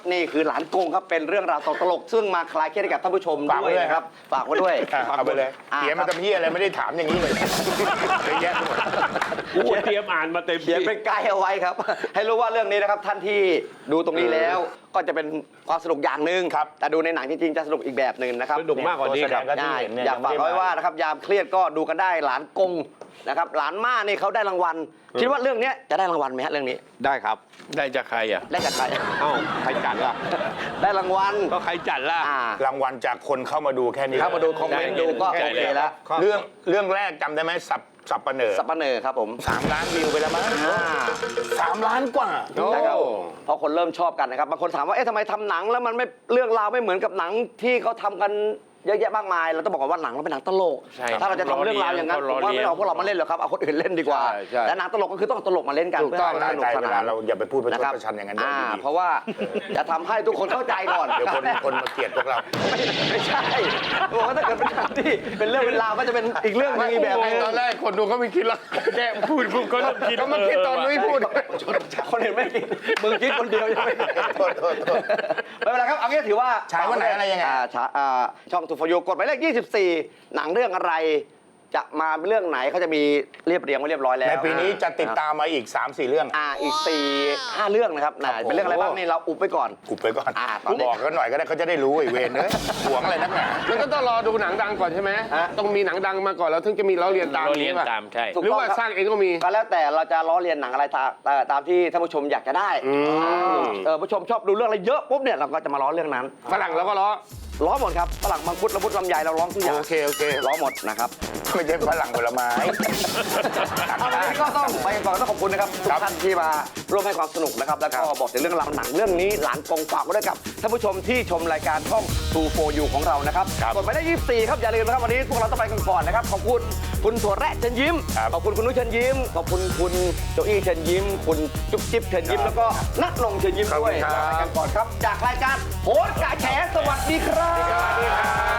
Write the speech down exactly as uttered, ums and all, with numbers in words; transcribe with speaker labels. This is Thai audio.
Speaker 1: นี่คือหลานกงครับเป็นเรื่องราวตลกซึ่งมาคลายเครียดให้กับท่านผู้ชมด้วยนะครับฝากไว้ด้วย
Speaker 2: เอาไปเลยเขียนมาทำเหี้ยอะไรไม่ได้ถามอย่างนี้เลยเยอะแยะหมด
Speaker 3: กูเตรียมอ่านมาเต็ม
Speaker 1: เขียนเป็นไกด์เอาไว้ครับ ให้รู้ว่าเรื่องนี้นะครับท่านที่ดูตรงนี้แล้วก็จะเป็นความสนุกอย่างหนึ่งครับแต่ดูในหนังจริงๆจะสนุกอีกแบบหนึ่งนะครับ
Speaker 3: สนุกมากกว่านี้ครับ
Speaker 2: ตัวแสดงก็ที่
Speaker 1: ใช่
Speaker 2: เห็นเนี่ย
Speaker 1: อยากฝาก
Speaker 2: ยังไม่ได้
Speaker 1: ไว้ว่านะครับยามเครียดก็ดูกันได้หลานกงนะครับหลานม่านี่เขาได้รางวัลคิดว่าเรื่องนี้จะได้รางวัลไหมฮะเรื่องนี้
Speaker 3: ได้ครับ ได้จากใครอ่ะ
Speaker 1: ได้จากใคร
Speaker 3: เอ้าใครจัดล่ะ
Speaker 1: ได้รางวัล
Speaker 3: ก็ใครจัดล่ะ
Speaker 1: อ่าร
Speaker 2: างวัลจากคนเข้ามาดูแค่นี้
Speaker 1: เข้ามาดูคอมเมนต์ดูก็
Speaker 3: ได้
Speaker 1: โอ
Speaker 3: เลย
Speaker 1: เคแล้ว
Speaker 2: เรื่องเรื่องแรกจำได้ไหมสับสับปะเหนอ
Speaker 1: สัปเหร่อครับผม
Speaker 2: สามล้านวิวไปแล้วมั้ง
Speaker 1: อ่า
Speaker 2: สามล้านกว่า
Speaker 3: โอ้
Speaker 1: นะครับเพราะคนเริ่มชอบกันนะครับบางคนถามว่าเอ๊ะทำไมทำหนังแล้วมันไม่เรื่องราวไม่เหมือนกับหนังที่เขาทำกันเยอะแยะมากมายเราต้องบอกก่อนว่าหนังเราเป็นหนังตลก
Speaker 3: ใช่
Speaker 1: ถ้าเราจะทำเรื่องราวอย่างนั้นผมว่าไม่เอาพวกเรามาเล่นหรอกครับเอาคนอื่นเล่นดีกว่า
Speaker 3: ใช่ใช่
Speaker 1: และหนังตลกก็คือต้องเอาตลกมาเล่นกัน
Speaker 3: ถูก
Speaker 1: เพื่อ
Speaker 3: ต้อง
Speaker 1: ให้สนุก
Speaker 2: ใจ
Speaker 1: ส
Speaker 2: เวลาน
Speaker 1: าน
Speaker 2: เราอย่าไปพูดประช
Speaker 1: นะ
Speaker 2: ด
Speaker 1: ครับ
Speaker 2: ประชันอย่างนั้น
Speaker 1: อ่า
Speaker 2: ดี
Speaker 1: เพราะว่าจะทำให้ทุกคนเข้าใจก่อน
Speaker 2: เดี๋ยวคนคนมาเกลียดพวกเรา
Speaker 1: ไม่ไม่ใช่บอกว่าถ้าเกิดเป็นหนังที่เป็นเรื่องเป็นราวก็จะเป็นอีกเรื่องหนึงอีกแบบหนึง
Speaker 3: ตอนแรกคนดูเขาไม่คิดแล้วแกพูดกูก็เริ่มคิด
Speaker 2: ก็มาคิดตอนนุ้ยพูด
Speaker 1: คนอื่นไม่คิดมึงคิดคนเดียวยังไม่
Speaker 2: โทษโทษโทษ
Speaker 1: ไม่เป็นไรครับเอางี้ถือว่า
Speaker 2: ฉายวันไหนอะไรยังไง
Speaker 1: าฉายอ่าช่องทูฟอยูกดหมายเลขยี่สิบสี่หนังเรื่องอะไร จะมาเรื่องไหนเขาจะมีเรียบเรียงไว้เรียบร้อยแล้ว
Speaker 2: ในปีนี้จะติดตามมาอีก สามสี่ เรื่อง
Speaker 1: อ่าอีกสี่ห้าเรื่องนะครับนะเป็นเรื่องอะไรบ้างนี่เราอุบไปก่อน
Speaker 2: อุบไปก่อน
Speaker 1: อ่าตอนนี้
Speaker 2: บอกกันหน่อยก็ได้เขาจะได้รู้ไอ้เวรเนอะหวงอะไรนักหนา
Speaker 4: มันก็ต้องรอดูหนังดังก่อนใช่ไหม
Speaker 1: ฮะ
Speaker 4: ต้องมีหนังดังมาก่อนแล้วถึงจะมีล้อเลียนตาม
Speaker 3: เราเรียน
Speaker 4: ใช่ปะ
Speaker 3: ตามใช่
Speaker 1: ถูก
Speaker 4: หรือ
Speaker 1: ต้อง
Speaker 4: ว่า
Speaker 1: ครับ
Speaker 4: สร้างเองก็มี
Speaker 1: ก็แล้วแต่เราจะล้อเลียนหนังอะไรตามเอ่อตามที่ท่านผู้ชมอยากจะได้
Speaker 4: อืม
Speaker 1: เออผู้ชมชอบดูเรื่องอะไรเยอะปุ๊บเนี่ยเราก็จะมาล้อเรื่องนั้น
Speaker 4: ฝรั่งแล้วก็ล้อ
Speaker 1: ล้อหมดครับฝรั่งมังคุดละมุดลำไยเราร้องทุกอย่าง
Speaker 4: โอเคโอเค
Speaker 1: ล้อหมดนะครับ
Speaker 2: ไม่ใช่ฝรั่งผลไม้
Speaker 1: เอาวันนี้ก็ต้องไปก่อนต้องขอบคุณนะครับทุกท่านที่มาร่วมให้ความสนุกนะครับแล้วก็บอกถึงเรื่องราวหนังเรื่องนี้หลานกงฝากไว้ด้วยกับท่านผู้ชมที่ชมรายการช่อง ทูโฟยูของเรานะครับกดไปได้ยี่สิบสี่ครับอย่าลืมนะครับวันนี้พวกเราต้องไปกันก่อนนะครับขอบคุณคุณถั่วแระเชิญยิ้มขอบคุณคุณนุ้ยเชิญยิ้มขอบคุณคุณโจอี้เชิญยิ้มคุณจุ๊บจิ๊บเชิญยิ้มแล้วก็นักนงเชิญยิ้มด้วยลาไปกันก่อนครับจากรายการโหนกระแฉสวัสดีครับ